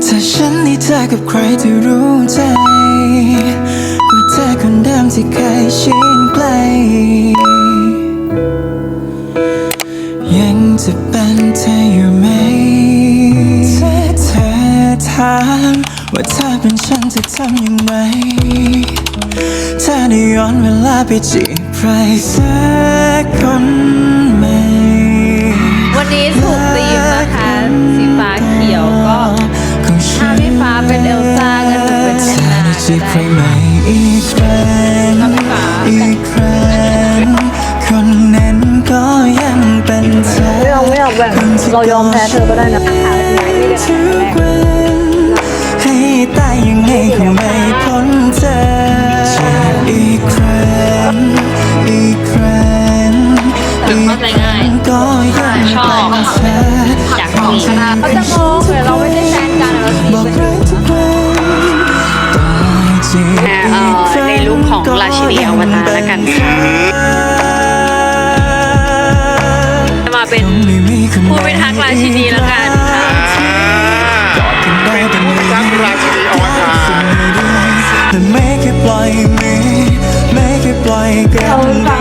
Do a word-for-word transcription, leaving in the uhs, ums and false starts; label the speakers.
Speaker 1: ถ้าฉันได้เจอกับใครที่รู้ใจกว่าเธอคนเดิมที่เคยชินใกล้ยังจะเป็นเธออยู่ไหมถ้าเธอถามว่าเธอเป็นฉันจะทำอย่างไรถ้าได้ย้อนเวลาไปจีบใครสักคนไหม
Speaker 2: วันนี้ถูกธีมนะคะสีฟ้าเขียวก็ถ้าพี่ฟ้าเป็นเอลซ่างั้นหนูเป็นแอนนาก็ได้
Speaker 1: อีกครั้งอีกครั้งคนนั้นก็ยังเป็นเธอ
Speaker 3: ไม่เอาไม่เอาแบบเรายอมแพ้เธอก็ได้นะ
Speaker 1: ทุกวันให้ตายยังไงก็ไม่พ้นเธออีกครั้งอีกครั้งอีกครั้งก็ยังเป็นเธอ
Speaker 2: อยากมีเขาจะงงเลยเราไม่ได้แฟนกันเรา
Speaker 1: บอกรักทุกวัน
Speaker 2: ในรูปของราชินีอวตารแล้วกันค่ะมาเป็นผู้พิทักษ์ราชินีแล้วกันค่ะ
Speaker 4: เป็นผู้พิทักษ์ราชินีอวตาร
Speaker 1: ไม่เคยปล่อยมือไม่เคยปล่อยกัน